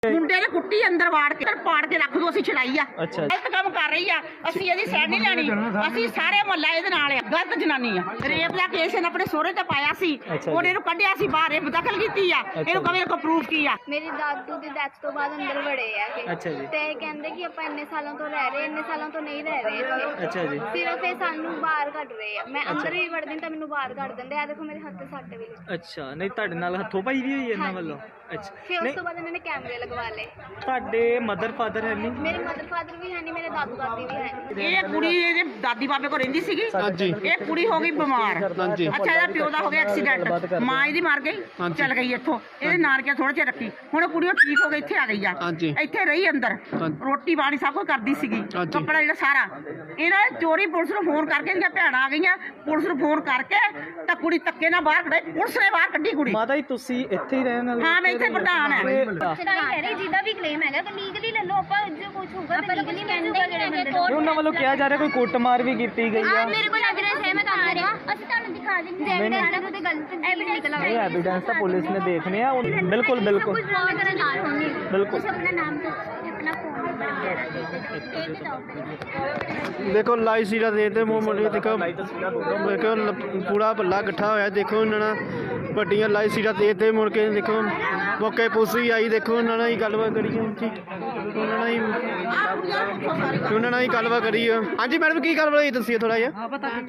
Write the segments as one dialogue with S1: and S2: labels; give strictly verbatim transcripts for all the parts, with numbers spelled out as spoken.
S1: ਮੁੰਡੇ ਨੇ ਕੁੱਟੀ ਅੰਦਰ ਵਾੜ ਕੇ ਪਾੜ ਕੇ ਰੱਖ ਦੋ, ਅਸੀਂ ਛੜਾਈ ਆ।
S2: ਅੱਛਾ
S1: ਗਲਤ ਕੰਮ ਕਰ ਰਹੀ ਆ, ਅਸੀਂ ਇਹਦੀ ਸਾਈਡ ਨਹੀਂ ਲੈਣੀ। ਅਸੀਂ ਸਾਰੇ ਮੁਹੱਲਾ ਇਹਦੇ ਨਾਲ ਆ। ਗਲਤ ਜਨਾਨੀ ਆ। ਰੇਪ ਦਾ ਕੇਸ ਇਹਨੇ ਆਪਣੇ ਸਹੁਰੇ ਤੇ ਪਾਇਆ ਸੀ, ਉਹਨੇ ਇਹਨੂੰ ਕੱਢਿਆ ਸੀ ਬਾਹਰ, ਇਹ ਦਖਲ ਕੀਤੀ ਆ। ਇਹਨੂੰ ਕਵੇ ਕੋ ਪ੍ਰੂਫ ਕੀ ਆ।
S3: ਮੇਰੀ ਦਾਦੂ ਦੀ ਡੈਥ ਤੋਂ ਬਾਅਦ ਅੰਦਰ ਵੜੇ ਆ ਇਹ।
S2: ਅੱਛਾ ਜੀ।
S3: ਤੇ ਕਹਿੰਦੇ ਕਿ ਆਪਾਂ ਇੰਨੇ ਸਾਲਾਂ ਤੋਂ ਰਹਿ ਰਹੇ, ਇੰਨੇ ਸਾਲਾਂ ਤੋਂ ਨਹੀਂ ਰਹਿ ਰਹੇ ਇੱਥੇ।
S2: ਅੱਛਾ ਜੀ।
S3: ਸਿਰਫ ਇਹ ਸਾਨੂੰ ਬਾਹਰ ਕੱਢ ਰਹੇ ਆ। ਮੈਂ ਅੰਦਰ ਵੀ ਵੜਦੀ ਤਾਂ ਮੈਨੂੰ ਬਾਹਰ ਕੱਢ ਦਿੰਦੇ ਆ। ਦੇਖੋ ਮੇਰੇ ਹੱਥ ਤੇ ਸੱਟ ਵੀ ਲੱਗੀ।
S2: ਅੱਛਾ, ਨਹੀਂ ਤੁਹਾਡੇ ਨਾਲ ਹੱਥੋਂ ਪਾਈ ਵੀ ਹੋਈ ਹੈ ਇਹਨਾਂ ਵੱਲੋਂ? ਅੱਛਾ,
S3: ਫਿਰ ਉਸ ਤੋਂ ਬਾਅਦ ਇਹਨਾਂ ਨੇ ਕੈਮਰੇ ਲਗਵਾ ਲਏ।
S2: ਤੁਹਾਡੇ ਮਦਰ ਫਾਦਰ ਹੈ ਨਹੀਂ?
S3: ਮੇਰੇ ਮਦਰ ਫਾਦਰ ਵੀ ਹੈ ਨਹੀਂ, ਮੇਰੇ ਦਾਦੂ ਦਾਦੀ ਵੀ ਹੈ ਨਹੀਂ।
S1: ਇਹ ਕੁੜੀ ਇਹਦੇ ਦਾਦੀ ਬਾਬੇ ਕੋਲ ਰਹਿੰਦੀ ਸੀਗੀ।
S4: ਹਾਂਜੀ।
S1: ਇਹ ਕੁੜੀ ਹੋ ਗਈ ਬਿਮਾਰ।
S4: ਹਾਂਜੀ।
S1: ਅੱਛਾ, ਇਹਦਾ ਪਿਓ ਦਾ ਹੋ ਗਿਆ ਐਕਸੀਡੈਂਟ, ਮਾਂ ਇਹਦੀ ਮਰ ਗਈ, ਚੱਲ ਗਈ ਇੱਥੋਂ। ਇਹਦੇ ਨਾਨਕਿਆਂ ਥੋੜੇ ਚਿਰ ਰੱਖੀ, ਹੁਣ ਕੁੜੀ ਉਹ ਠੀਕ ਹੋ ਗਈ, ਇੱਥੇ ਆ ਗਈ ਆ।
S4: ਹਾਂਜੀ।
S1: ਇੱਥੇ ਰਹੀ ਅੰਦਰ, ਰੋਟੀ ਪਾਣੀ ਸਭ ਕੁਝ ਕਰਦੀ ਸੀਗੀ, ਕੱਪੜਾ ਜਿਹੜਾ ਸਾਰਾ। ਇਹਨਾਂ ਨੇ ਚੋਰੀ ਪੁਲਿਸ ਨੂੰ ਫੋਨ ਕਰਕੇ, ਇਹਦੀਆਂ ਭੈਣਾਂ ਆ ਗਈਆਂ, ਪੁਲਿਸ ਨੂੰ ਫੋਨ ਕਰਕੇ ਤਾਂ ਕੁੜੀ ਧੱਕੇ ਨਾਲ ਬਾਹਰ ਕੱਢੀ, ਪੁਲਿਸ ਨੇ ਬਾਹਰ ਕੱਢੀ ਕੁੜੀ।
S2: ਮਾਤਾ ਜੀ ਤੁਸੀਂ ਇੱਥੇ ਹੀ ਰਹਿਣ ਵਾਲੇ?
S1: ਹਾਂ, ਮੈਂ ਇੱਥੇ ਪ੍ਰਧਾਨ ਹਾਂ।
S3: ਜਿਹਦਾ ਵੀ ਕਲੇਮ ਹੈਗਾ ਤਾਂ ਲੀਗਲੀ ਲੈ ਲਓ। ਆਪਾਂ ਜੋ ਕੁਝ ਹੋਊਗਾ ਤਾਂ ਲੀਗਲੀ ਮਿਲੂਗਾ। ਜਿਹੜੇ
S2: ਉਹਨਾਂ ਵੱਲੋਂ ਕਿਹਾ ਜਾ ਰਿਹਾ ਕੋਈ ਕੁੱਟਮਾਰ ਵੀ ਕੀਤੀ ਗਈ ਆ।
S3: ਮੇਰੇ ਕੋਲ ਐਵੀਡੈਂਸ ਹੈ, ਮੈਂ ਤੁਹਾਨੂੰ ਰਿਹਾ। ਅਸੀਂ ਤੁਹਾਨੂੰ ਦਿਖਾ ਦਿੰਦੇ ਐਵੀਡੈਂਸ ਨਾਲ ਤੇ ਗਲਤ ਐਵੀਡੈਂਸ ਨਿਕਲ
S2: ਇਹ ਐਵੀਡੈਂਸ ਤਾਂ ਪੁਲਿਸ ਨੇ ਦੇਖਨੇ ਆ। ਬਿਲਕੁਲ ਬਿਲਕੁਲ
S3: ਕੁਝ ਪ੍ਰੂਵ ਕਰਨ ਨਾਲ ਹੋਣੀ।
S2: ਬਿਲਕੁਲ।
S3: ਤੁਸੀਂ ਆਪਣਾ ਨਾਮ ਤੇ ਆਪਣਾ ਫੋਨ ਨੰਬਰ ਵਗੈਰਾ ਦੇ ਦਿਓ। ਇਹ ਵੀ ਦਿਓ।
S4: देखो लाई सीरा दे दे मूंह मुंडी देखो देखो पूरा भला इकट्ठा होया। देखो उन्होंने ਵੱਡੀਆਂ लाई सीरा दे दे मुड़ के देखो मौके पुलिस भी आई। देखो उन्होंने ही गलबात करी उन्होंने ही उन्होंने ही गलबात करी। हाँ जी मैडम की गलबात होई दसिए थोड़ा जिहा।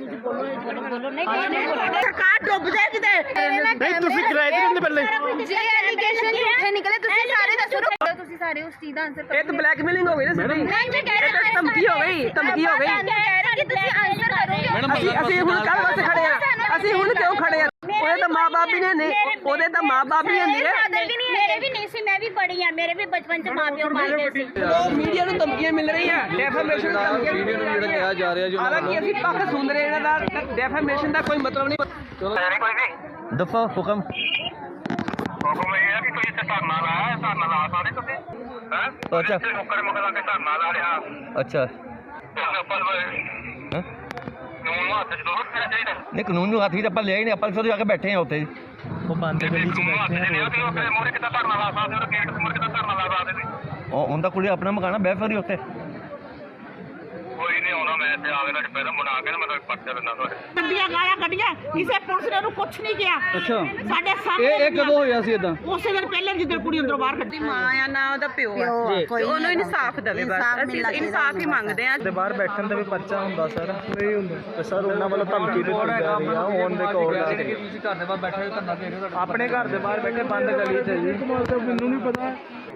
S1: ਸਰਕਾਰ ਡੁੱਬ ਜਾਏ ਕਿਤੇ।
S4: नहीं तुसी किराए ते रहंदे पहले?
S3: ਜੇ ਐਲੀਗੇਸ਼ਨ ਝੂਠੇ ਨਿਕਲੇ ਤੁਸੀਂ ਸਾਰੇ ਦੱਸੋ ਨਾ। ਤੁਸੀਂ ਸਾਰੇ ਉਸ ਚੀਜ਼ ਦਾ ਆਨਸਰ
S1: ਇਹ ਤਾਂ ਬਲੈਕਮੇਲਿੰਗ ਹੋ ਗਈ ਨਾ ਸਿੱਧੀ।
S3: ਮੈਂ ਕਹਿ ਰਿਹਾ
S1: ਧਮਕੀ ਹੋ ਗਈ, ਧਮਕੀ ਹੋ ਗਈ।
S3: ਕਹਿ ਰਹੀ ਕਿ ਤੁਸੀਂ ਆਨਸਰ ਕਰੋਗੇ।
S1: ਅਸੀਂ ਅਸੀਂ ਹੁਣ ਕੱਲ ਵਾਸਤੇ ਖੜੇ ਆ। ਅਸੀਂ ਹੁਣ ਕਿਉਂ ਖੜੇ ਆ? ਉਹਦੇ ਤਾਂ ਮਾਂ-ਬਾਪ ਵੀ ਨੇ, ਉਹਦੇ ਤਾਂ ਮਾਂ-ਬਾਪ ਵੀ ਹੁੰਦੇ ਆ।
S3: ਮੇਰੇ ਵੀ ਨਹੀਂ ਸੀ, ਮੈਂ ਵੀ ਪੜ੍ਹੀ ਆ। ਮੇਰੇ ਵੀ ਬਚਪਨ ਚ ਮਾਂ-ਪਿਓ ਪਾਲਦੇ ਸੀ।
S1: ਮੀਡੀਆ ਨੂੰ ਧਮਕੀਆਂ ਮਿਲ ਰਹੀਆਂ, ਡੈਫਾਮੇਸ਼ਨ ਦੀਆਂ ਧਮਕੀਆਂ ਮਿਲ ਰਹੀਆਂ। ਜਿਹੜਾ ਕਿਹਾ ਜਾ ਰਿਹਾ ਜੋ ਹਾਲਾਂਕਿ ਅਸੀਂ ਪੱਖ ਸੁਣ ਰਹੇ ਇਹਨਾਂ ਦਾ, ਡੈਫਾਮੇਸ਼ਨ ਦਾ ਕੋਈ ਮਤਲਬ ਨਹੀਂ।
S2: ਦਫਾ ਹੁਕਮ
S5: ਹੁਕਮ ਇਹ ਹੈ ਕਿ ਤੁਸੀਂ ਇੱਥੇ ਧਰਨਾ ਲਾਇਆ, ਧਰਨਾ ਲਾ ਸਕਦੇ ਤੁਸੀਂ ਹੈ।
S2: ਅੱਛਾ।
S5: ਇੱਥੇ ਮੁੱਕਰ ਮੁੱਕਰ ਲਾ ਕੇ ਧਰਨਾ ਲਾ ਰਿਹਾ।
S2: ਅੱਛਾ।
S5: ਆਪਾਂ
S2: ਹਾਂ
S5: ਨੂੰ ਹੱਥ ਚ ਦੋ ਰੱਖਣਾ ਚਾਹੀਦਾ।
S2: ਨਹੀਂ, ਕਾਨੂੰਨ ਨੂੰ ਹੱਥ ਵਿੱਚ ਆਪਾਂ ਲਿਆ ਹੀ ਨਹੀਂ। ਆਪਾਂ ਸਿਰ ਜਾ ਕੇ ਬੈਠੇ ਆ ਉੱਥੇ। ਉਹ ਬੰਦ ਗਲੀ 'ਚ
S5: ਨੂੰ ਹੱਥ
S2: ਬੈਠੇ
S5: ਚ ਲਿਆ ਤੇ ਉਹ ਮੋਰੇ ਕਿੱਦਾਂ ਧਰਨਾ ਲਾ ਸਕਦੇ ਹੋ? ਗੇਟ ਮੋਰੇ ਕਿੱਦਾਂ ਧਰਨਾ ਲਾ ਸਕਦੇ ਤੁਸੀਂ?
S2: ਉਹ ਉਹਦਾ ਕੁੜੀ ਆਪਣਾ ਮਕਾਨ ਆ, ਬਹਿ ਫਰੀ ਉੱਥੇ।
S5: ਕੋਈ ਨਹੀਂ ਆਉਣਾ, ਮੈਂ ਇੱਥੇ ਆਵੇ ਨਾਲ ਪਹਿਲਾਂ ਬਣਾ ਕੇ ਨਾ ਮੈਂ ਪਰਚਾ ਦਿੰਦਾ ਤੁਹਾਡੇ।
S1: ਗੱਡੀਆਂ ਗਾਲਾਂ ਕੱਢੀਆਂ, ਕਿਸੇ ਪੁਲਿਸ ਨੇ ਉਹਨੂੰ ਕੁਛ ਨਹੀਂ ਕਿਹਾ।
S2: ਅੱਛਾ।
S1: ਸਾਡੇ ਸਾਹਮਣੇ
S2: ਇਹ ਇਹ ਕਦੋਂ ਹੋਇਆ ਸੀ ਇਦਾਂ?
S1: ਉਸੇ ਦਿਨ ਪਹਿਲੇ ਜਿੱਦਣ ਕੁੜੀ ਅੰਦਰੋਂ ਬਾਹਰ ਕੱਢੀ। ਮਾਂ ਆ ਨਾ ਉਹਦਾ ਪਿਓ ਆ, ਉਹਨੂੰ ਇਨਸਾਫ ਦੇਵੇ ਬਸ। ਅਸੀਂ ਇਨਸਾਫ ਹੀ ਮੰਗਦੇ ਆ।
S2: ਤੇ ਬਾਹਰ ਬੈਠਣ ਦਾ ਵੀ ਪਰਚਾ ਹੁੰਦਾ ਸਰ? ਨਹੀਂ ਹੁੰਦਾ। ਤੇ ਸਰ ਉਹਨਾਂ ਵੱਲੋਂ ਧਮਕੀ ਦਿੱਤੀ ਜਾ ਰਹੀ ਆ ਔਨ ਦੇ ਕੋਲ ਆ ਕੇ। ਤੁਸੀਂ ਘਰ ਦੇ ਬਾਹਰ ਬੈਠੇ ਹੋ, ਧਰਨਾ ਦੇ ਰਹੇ ਹੋ? ਆਪਣੇ ਘਰ ਦੇ ਬਾਹਰ ਬੈਠੇ ਬੰਦ ਗਲੀ 'ਚ ਜੀ। ਮੈਨੂੰ ਨਹੀਂ ਪਤਾ।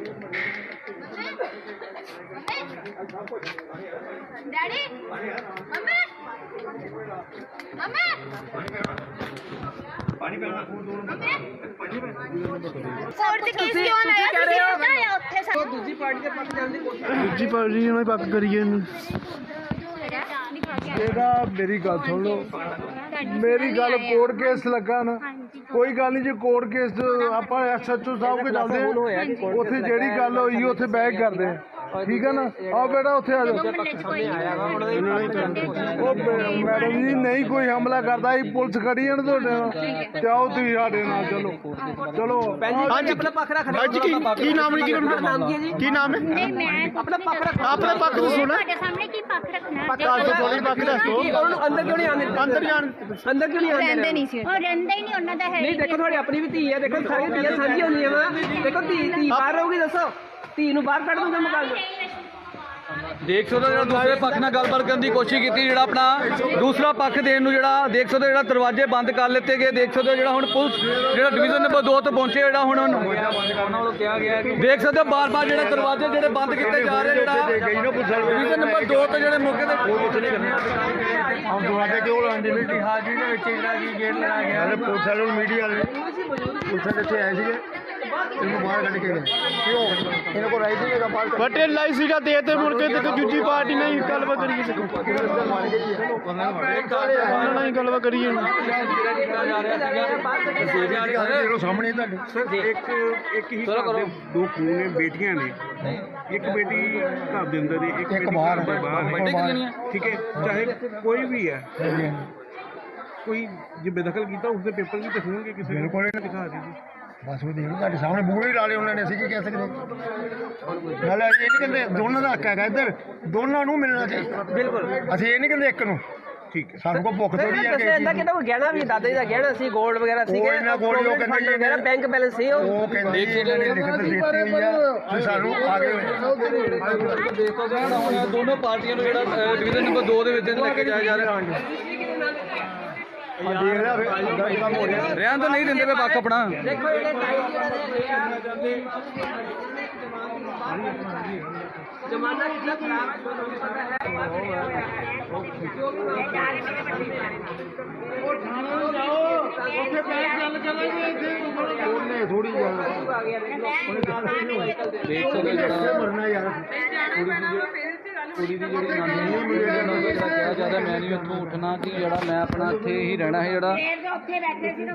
S3: ਡੈਡੀ ਮੰਮੀ ਮੰਮੀ ਪਾਣੀ ਪੀਣਾ ਕੋਰਟ ਦੇ ਕੇਸ ਕਿਉਂ ਲਾਇਆ ਤੁਸੀਂ? ਆਇਆ ਉੱਥੇ ਸਾਨੂੰ
S1: ਦੂਜੀ ਪਾਰਟੀ ਦੇ ਪੱਖ ਜਾਂਦੀ।
S4: ਦੂਜੀ ਪਾਰਟੀ ਨਾਲ ਪੱਕ ਕਰੀਏ ਇਹਨੂੰ।
S6: ਇਹਦਾ ਮੇਰੀ ਗੱਲ ਸੁਣ ਲਓ, ਮੇਰੀ ਗੱਲ ਕੋਰਟ ਕੇਸ ਲੱਗਾ ਨਾ, ਕੋਈ ਗੱਲ ਨਹੀਂ। ਜੇ ਕੋਰਟ ਕੇਸ ਆਪਾਂ ਐਸ ਐਚ ਓ ਸਾਹਿਬ ਕੋਲ ਜਾਂਦੇ ਆ, ਉੱਥੇ ਜਿਹੜੀ ਗੱਲ ਹੋਈ ਉੱਥੇ ਬੈਕ ਕਰਦੇ ਆ, ਠੀਕ ਹੈ ਨਾ। ਆਓ ਬੇਟਾ ਉੱਥੇ ਆ ਜਾਓ। ਉਹ ਮੈਡਮ ਜੀ ਨਹੀਂ ਕੋਈ ਹਮਲਾ ਕਰਦਾ, ਇਹ ਪੁਲਿਸ ਖੜੀ ਹੈ ਨਾ ਤੁਹਾਡੇ ਨਾਲ, ਤੇ ਆਓ ਤੁਸੀਂ ਸਾਡੇ ਨਾਲ ਚਲੋ ਚਲੋ।
S4: ਹਾਂਜੀ
S1: ਆਪਣਾ ਪੱਖ ਰੱਖ ਰਹੇ।
S4: ਹਾਂਜੀ ਕੀ ਕੀ ਨਾਮ ਹੈ? ਕੀ ਨਾਮ ਹੈ ਜੀ? ਕੀ ਨਾਮ ਹੈ?
S3: ਨਹੀਂ ਮੈਂ
S1: ਆਪਣਾ ਪੱਖ ਰੱਖ।
S4: ਆਪਣੇ ਪੱਖ ਤੋਂ ਸੁਣਾ।
S3: ਤੁਹਾਡੇ ਸਾਹਮਣੇ ਕੀ ਪੱਖ ਰੱਖਣਾ?
S4: ਦੱਸ ਦਿਓ ਥੋੜੀ ਪੱਖ ਦੱਸ ਦਿਓ।
S1: ਉਹਨੂੰ ਅੰਦਰ ਕਿਉਂ ਨਹੀਂ ਆਉਂਦੇ?
S4: ਅੰਦਰ ਜਾਣ
S1: ਅੰਦਰ ਕਿਉਂ ਨਹੀਂ ਆਉਂਦੇ?
S3: ਰਹਿੰਦੇ ਨਹੀਂ ਸੀ। ਉਹ ਰਹਿੰਦਾ ਹੀ ਨਹੀਂ, ਉਹਨਾਂ ਦਾ ਹੈ
S1: ਨਹੀਂ, ਦੇਖੋ ਤੁਹਾਡੀ ਆਪਣੀ ਵੀ ਧੀ ਹੈ। ਦੇਖੋ ਸਾਰੀਆਂ ਧੀਆਂ ਸਾਂਝੀਆਂ ਹੁੰਦੀਆਂ ਵਾ। ਦੇਖੋ ਧੀ ਧੀ ਬਾਹਰ ਰਹੂਗੀ, ਦੱਸੋ ਧੀ ਨੂੰ ਬਾਹਰ ਕੱਢ ਦੂੰਗਾ ਮਕਾਨ ਨੂੰ।
S7: ਦੇਖ ਸਕਦੇ ਹੋ ਜਿਹੜਾ ਦੂਸਰੇ ਪੱਖ ਨਾਲ ਗੱਲਬਾਤ ਕਰਨ ਦੀ ਕੋਸ਼ਿਸ਼ ਕੀਤੀ, ਜਿਹੜਾ ਆਪਣਾ ਦੂਸਰਾ ਪੱਖ ਦੇਣ ਨੂੰ ਜਿਹੜਾ ਦੇਖ ਸਕਦੇ ਹੋ ਜਿਹੜਾ ਦਰਵਾਜ਼ੇ ਬੰਦ ਕਰ ਲਿੱਤੇ ਗਏ। ਦੇਖ ਸਕਦੇ ਹੋ ਜਿਹੜਾ ਹੁਣ ਪੁਲਿਸ ਜਿਹੜਾ ਡਿਵੀਜ਼ਨ ਨੰਬਰ ਦੋ ਤੋਂ ਪਹੁੰਚੇ, ਜਿਹੜਾ ਹੁਣ ਦੇਖ ਸਕਦੇ ਹੋ ਬਾਰ-ਬਾਰ ਜਿਹੜੇ ਦਰਵਾਜ਼ੇ ਜਿਹੜੇ ਬੰਦ ਕੀਤੇ ਜਾ ਰਹੇ। ਜਿਹੜਾ ਡਿਵੀਜ਼ਨ ਨੰਬਰ ਦੋ ਤੋਂ ਜਿਹੜੇ ਮੌਕੇ ਤੇ
S6: ਆਪ ਤੁਹਾਡੇ ਕੋਲ ਅੰਡਿਵਿਟੀ ਹਾਜ਼ਰੀ ਦੇ ਵਿੱਚ ਜਿਹੜਾ ਕੀ ਗੇਟ ਲਗਾ ਗਿਆ, ਪੁਲਿਸ ਵਾਲੇ ਮੀਡੀਆ ਵਾਲੇ ਪੁਲਿਸ ਵਾਲੇ ਇੱਥੇ ਆਏ ਸੀਗੇ, ਇਹਨੂੰ ਬਾਹਰ ਕੱਢ ਕੇ ਗਏ। ਕਿਉਂ ਇਹਨਾਂ ਕੋਲ ਰਾਈਟ ਨਹੀਂ ਹੈਗਾ ਬਾਹਰ ਕੱਢ।
S4: ਬਟੇ ਲਾਈ ਸੀਗਾ ਦੇ ਤੇ ਮੁੜ ਕੇ ਤੇ ਦੂਜੀ ਪਾਰਟੀ ਨਾਲ ਹੀ ਗੱਲਬਾਤ ਕਰੀਏ। ਉਹਨਾਂ ਨਾਲ ਹੀ ਗੱਲਬਾਤ ਕਰੀਏ।
S6: ਸਾਹਮਣੇ ਤੁਹਾਡੇ ਇੱਕ ਇੱਕ ਹੀ ਘਰ ਦੇ ਦੋ ਖੂਨ ਨੇ, ਬੇਟੀਆਂ ਨੇ। ਇੱਕ ਬੇਟੀ ਘਰ ਦੇ ਅੰਦਰ ਹੈ, ਇੱਕ ਬੇਟੀ ਘਰ ਦੇ ਬਾਹਰ ਹੈ। ਠੀਕ ਹੈ, ਚਾਹੇ ਕੋਈ ਵੀ ਹੈ, ਕੋਈ ਜੇ ਬੇਦਖਲ ਕੀਤਾ ਉਸਦੇ ਪੇਪਰ ਵੀ ਦਿਖਾਉਣਗੇ ਕਿਸੇ ਨੂੰ। ਦਿਖਾ ਦੇ ਜੀ। ਬਸ ਉਹ ਦੇਖ ਲਓ ਤੁਹਾਡੇ ਸਾਹਮਣੇ ਬੂਹੇ ਹੀ ਲਾ ਲਏ ਉਹਨਾਂ ਨੇ, ਅਸੀਂ ਕੀ ਕਹਿ ਸਕਦੇ। ਨਾਲੇ ਇਹ ਨਹੀਂ ਕਹਿੰਦੇ ਦੋਨਾਂ ਦਾ ਹੱਕ ਹੈਗਾ, ਇੱਧਰ ਦੋਨਾਂ ਨੂੰ ਮਿਲਣਾ ਚਾਹੀਦਾ। ਬਿਲਕੁਲ ਅਸੀਂ ਇਹ ਨਹੀਂ ਕਹਿੰਦੇ ਇੱਕ ਨੂੰ। ਠੀਕ ਹੈ, ਸਾਨੂੰ ਕੋਈ ਭੁੱਖ ਥੋੜੀ ਹੈ ਕਿ
S2: ਇਹਦਾ ਕਿਹਦਾ ਕੋਈ ਗਹਿਣਾ ਵੀ ਦਾਦਾ ਜੀ ਦਾ ਗਹਿਣਾ ਸੀ, ਗੋਲਡ ਵਗੈਰਾ ਸੀਗੇ,
S6: ਕੋਈ ਨਾ ਗੋਲਡ ਉਹ ਕਹਿੰਦੇ ਜੀ
S2: ਮੇਰਾ ਬੈਂਕ ਬੈਲੈਂਸ ਸੀ ਉਹ
S6: ਉਹ ਕਹਿੰਦੇ ਇਹਨਾਂ ਨੇ ਲਿਖਤ ਦਿੱਤੀ ਹੋਈ ਆ ਤੇ ਸਾਨੂੰ ਆਗੇ
S7: ਦੇਖੋ ਜਿਹੜਾ ਹੁਣ ਦੋਨੋਂ ਪਾਰਟੀਆਂ ਨੂੰ ਜਿਹੜਾ ਡਿਵੀਜ਼ਨ ਨੰਬਰ ਦੋ ਦੇ ਵਿੱਚ ਲੈ ਕੇ ਜਾਇਆ ਜਾ ਰਿਹਾ
S6: ਦੇਖ ਰਿਹਾ ਫਿਰ ਕੰਮ ਹੋ ਰਿਹਾ।
S7: ਰਹਿਣ ਤਾਂ ਨਹੀਂ ਦਿੰਦੇ ਪਏ ਪੱਖ ਆਪਣਾ।
S2: ਦੇਖੋ ਇਹਦੇ ਟਾਈਮ ਜਿਹੜਾ ਦੇ ਜਮਾਨਾ ਕਿੰਨਾ ਖਰਾਬ ਹੈ ਤੁਹਾਨੂੰ ਪਤਾ ਹੈ।
S6: ਉਹ ਥਾਣੇ ਨੂੰ ਜਾਓ, ਉੱਥੇ ਬੈਠ ਗੱਲ ਚੱਲਾਂਗੇ, ਇੱਥੇ ਉਹਨੇ ਥੋੜੀ ਗੱਲ
S7: ਦੇਖ ਸਕਦੇ ਹੋ ਜਿਹੜਾ
S6: ਮਰਨਾ ਯਾਰ।
S7: ਕੁੜੀ ਦੀ ਜਿਹੜੀ ਨਾਨੀ ਨੂੰ ਜਿਹੜਾ ਕਿਹਾ ਜਾ ਰਿਹਾ ਮੈਂ ਨਹੀਂ ਉੱਥੋਂ ਉੱਠਣਾ ਕਿ ਜਿਹੜਾ ਮੈਂ ਆਪਣਾ ਇੱਥੇ ਹੀ ਰਹਿਣਾ ਹੈ ਜਿਹੜਾ
S3: ਉੱਥੇ ਬੈਠੇ ਸੀ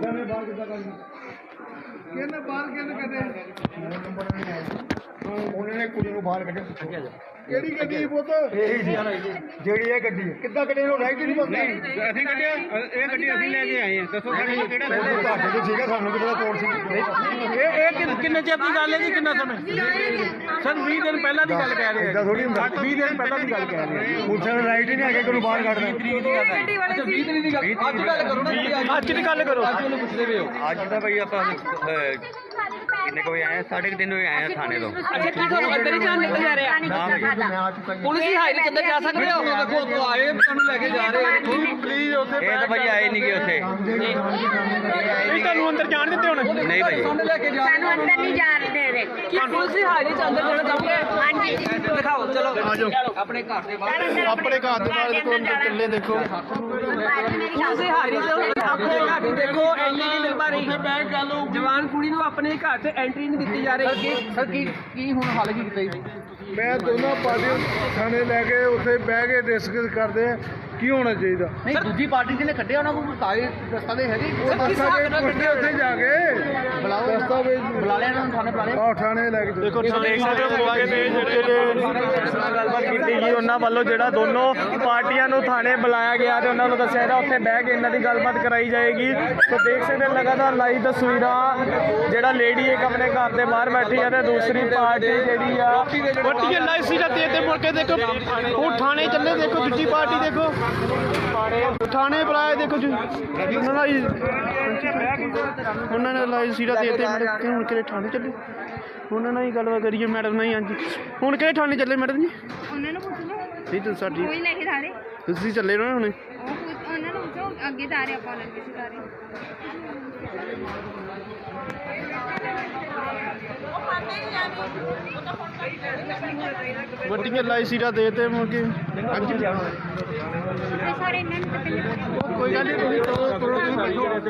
S6: ਕਿਹਨੇ ਬਾਹਰ ਕਿਹਨੇ ਕੱਢੇ? ਉਹਨਾਂ ਨੇ ਕੁੜੀ ਨੂੰ ਬਾਹਰ ਕੱਢਿਆ। ਕਿਹੜੀ ਗੱਡੀ ਪੁੱਤ? ਇਹੀ ਸੀ ਜਿਹੜੀ ਇਹ ਗੱਡੀ ਹੈ। ਕਿੱਦਾਂ ਕੱਢੇ ਉਹ ਰਾਈਟ ਨਹੀਂ ਬੰਦਾ।
S7: ਅਸੀਂ ਕੱਢਿਆ ਇਹ ਗੱਡੀ ਅਸੀਂ ਲੈ ਕੇ ਆਏ ਹਾਂ। ਦੱਸੋ ਸਾਡੇ ਕੋਲ ਕਿਹੜਾ
S6: ਤੁਹਾਡੇ ਤੋਂ ਸੀਗਾ, ਸਾਨੂੰ ਕੀ ਪਤਾ ਕੌਣ ਸੀ।
S2: ਇਹ ਇਹ ਕਿੰਨੇ ਚਿਰ ਦੀ ਗੱਲ ਹੈ ਜੀ, ਕਿੰਨਾ ਸਮੇਂ? ਸਰ ਵੀਹ ਦਿਨ ਪਹਿਲਾਂ ਦੀ ਗੱਲ ਕਹਿ ਰਹੇ
S6: ਏਦਾਂ ਥੋੜੀ ਹੁੰਦਾ।
S2: ਵੀਹ ਦਿਨ ਪਹਿਲਾਂ ਦੀ ਗੱਲ ਕਹਿ ਰਹੇ ਆ।
S6: ਪੁਲਿਸ ਨੇ ਰਾਈਟ ਹੀ ਨਹੀਂ ਹੈਗਾ ਕਿ ਉਹਨੂੰ ਬਾਹਰ ਕੱਢਣਾ।
S7: ਅੱਛਾ ਵੀਹ ਤਰੀਕ ਦੀ ਗੱਲ ਅੱਜ ਗੱਲ ਕਰੋ ਨਾ।
S2: ਅੱਜ ਦੀ ਗੱਲ ਕਰੋ।
S7: ਅੱਜ ਉਹਨੂੰ ਪੁੱਛਦੇ ਪਏ ਹੋ।
S5: ਅੱਜ ਤਾਂ ਭਾਈ ਆਪਾਂ ਕਿੰਨੇ ਕੋਈ ਆਏ ਸਾਢੇ ਕੁ ਤਿੰਨ ਵਜੇ ਆਏ ਆ ਥਾਣੇ ਤੋਂ।
S2: ਅੱਛਾ ਕੀ ਤੁਹਾਨੂੰ ਅੰਦਰ ਹੀ ਜਾਣ ਨਿਕਲ ਜਾ ਰਿਹਾ?
S6: ਮੈਂ ਆ ਚੁੱਕਾ ਜੀ।
S2: ਪੁਲਿਸ ਦੀ ਹਾਜ਼ਰੀ ਚ ਅੰਦਰ ਜਾ ਸਕਦੇ ਹੋ?
S7: ਦੇਖੋ ਉੱਥੋਂ ਆਏ ਤੁਹਾਨੂੰ ਲੈ ਕੇ ਜਾ ਰਹੇ
S6: ਪਲੀਜ਼ ਉੱਥੇ
S5: ਇਹ ਤਾਂ ਭਾਈ ਆਏ ਨਹੀਂ ਗਏ ਉੱਥੇ।
S2: ਇਹ ਤੁਹਾਨੂੰ ਅੰਦਰ ਜਾਣ ਦਿੱਤੇ ਹੁਣ?
S5: ਨਹੀਂ ਭਾਈ
S7: ਸਾਨੂੰ ਲੈ ਕੇ ਜਾ ਰਹੇ
S3: ਸਾਨੂੰ ਅੰਦਰ ਨਹੀਂ ਜਾਣ ਦੇ ਰਹੇ।
S2: ਕੀ ਪੁਲਿਸ ਦੀ ਹਾਜ਼ਰੀ ਚ ਅੰਦਰ ਜਾਣਾ ਚਾਹੋਗੇ?
S3: ਹਾਂਜੀ
S2: ਦਿਖਾਓ ਚਲੋ
S7: ਆਪਣੇ ਘਰ ਦੇ ਬਾਹਰ
S4: ਆਪਣੇ ਘਰ ਦੇ ਬਾਹਰ ਦੇਖੋ ਅੰਦਰ ਚੱਲੇ ਦੇਖੋ
S2: ਪੁਲਿਸ ਦੀ ਹਾਜ਼ਰੀ ਚ ਆਪਣੇ ਘਰ ਦੀ ਦੇਖੋ ਐਂਟਰੀ ਨਹੀਂ ਮਿਲ ਪਾ ਰਹੀ। ਜਵਾਨ ਕੁੜੀ ਨੂੰ ਆਪਣੇ ਘਰ ਤੇ ਐਂਟਰੀ ਨਹੀਂ ਦਿੱਤੀ ਜਾ ਰਹੀ।
S7: ਸਰ ਕੀ ਕੀ ਹੁਣ ਹੱਲ ਕੀ ਕੀਤਾ ਜੀ?
S6: ਮੈਂ ਦੋਨਾਂ ਪਾਰਟੀਆਂ ਥਾਣੇ ਲੈ ਕੇ ਉੱਥੇ ਬਹਿ ਕੇ ਡਿਸਕਸ ਕਰਦੇ ਆ ਕੀ ਹੋਣਾ ਚਾਹੀਦਾ।
S7: ਨਹੀਂ ਦੂਜੀ ਪਾਰਟੀ ਜਿਹਨੇ ਕੱਢਿਆ ਉਹਨਾਂ ਕੋਲ ਸਾਰੇ ਦਸਤਾਵੇਜ਼ ਹੈਗੇ
S6: ਉਹ ਦਸਤਾਵੇਜ਼ ਪੁੱਛਦੇ ਉੱਥੇ ਜਾ ਕੇ ਦਸਤਾਵੇਜ਼
S7: ਬੁਲਾ ਲਿਆ ਇਹਨਾਂ ਨੂੰ ਥਾਣੇ ਬੁਲਾ ਲਿਆ।
S6: ਆਹ ਥਾਣੇ ਲੈ ਕੇ
S4: ਦੇਖੋ ਦੇਖ ਸਕਦੇ ਹੋ ਮੌਕੇ ਤੇ ਜਿਹੜੇ
S2: ਗੱਲਬਾਤ ਕੀਤੀ ਗਈ ਉਹਨਾਂ ਵੱਲੋਂ ਜਿਹੜਾ ਦੋਨੋਂ ਪਾਰਟੀਆਂ ਨੂੰ ਥਾਣੇ ਬੁਲਾਇਆ ਗਿਆ ਤੇ ਉਹਨਾਂ ਨੂੰ ਦੱਸਿਆ ਗਿਆ ਉੱਥੇ ਬਹਿ ਕੇ ਇਹਨਾਂ ਦੀ ਗੱਲਬਾਤ ਕਰਾਈ ਜਾਏਗੀ। ਤੇ ਦੇਖ ਸਕਦੇ ਹੋ ਲਗਾਤਾਰ ਲਾਈਵ ਤਸਵੀਰਾਂ ਜਿਹੜਾ ਲੇਡੀ ਇੱਕ ਆਪਣੇ ਘਰ ਦੇ ਬਾਹਰ ਬੈਠੀ ਹੈ ਤੇ ਦੂਸਰੀ ਪਾਰਟੀ ਜਿਹੜੀ ਆ
S4: ਵੱਟੀ ਲਾਈ ਸੀ ਤੇ ਤੇ ਮੁੜ ਕੇ ਦੇਖੋ ਉਹ ਥਾਣੇ ਚੱਲੇ ਦੇਖੋ ਦੂਜੀ ਪਾਰਟੀ ਦੇਖੋ ਥਾਣੇ ਬੁਲਾਏ ਦੇਖੋ ਜੀ ਉਹਨਾਂ ਦਾ ਹੀ- ਉਹਨਾਂ ਨੇ ਲਾਈ ਸੀ ਤੇ ਤੇ ਮੁੜ ਕੇ ਹੁਣ ਕਿਹੜੇ ਥਾਣੇ ਚੱਲੇ ਉਹਨਾਂ ਨਾਲ ਹੀ ਗੱਲਬਾਤ ਕਰੀਏ ਮੈਡਮ ਨਾਲ ਹੀ। ਹਾਂਜੀ ਹੁਣ ਕਿਹੜੇ ਥਾਣੇ ਚੱਲੇ ਮੈਡਮ ਜੀ?
S3: ਉਹਨਾਂ ਨੂੰ ਪੁੱਛ ਲਓ
S4: ਨਹੀਂ ਤੁਸੀਂ ਸਾਡੀ
S3: ਕੋਈ ਲੈ ਕੇ ਜਾ ਰਹੇ
S4: ਤੁਸੀਂ ਚੱਲੇ ਨਾ ਹੁਣੇ।
S3: ਉਹ ਪੁੱਛ- ਉਹਨਾਂ ਨੂੰ ਪੁੱਛੋ ਅੱਗੇ ਜਾ ਰਹੇ ਆਪਾਂ ਉਹਨਾਂ ਨੂੰ ਜਾ ਰਹੇ
S4: ਵੱਟੀਆਂ ਲਾਈ ਸੀ ਤੇ ਤੇ ਮੁੜ ਕੇ ਹਾਂਜੀ
S3: ਸਾਰੇ ਇਹਨਾਂ ਨੂੰ ਤਾਂ ਪਹਿਲਾਂ
S4: ਕੋਈ ਗੱਲ ਨਹੀਂ ਤੁਸੀਂ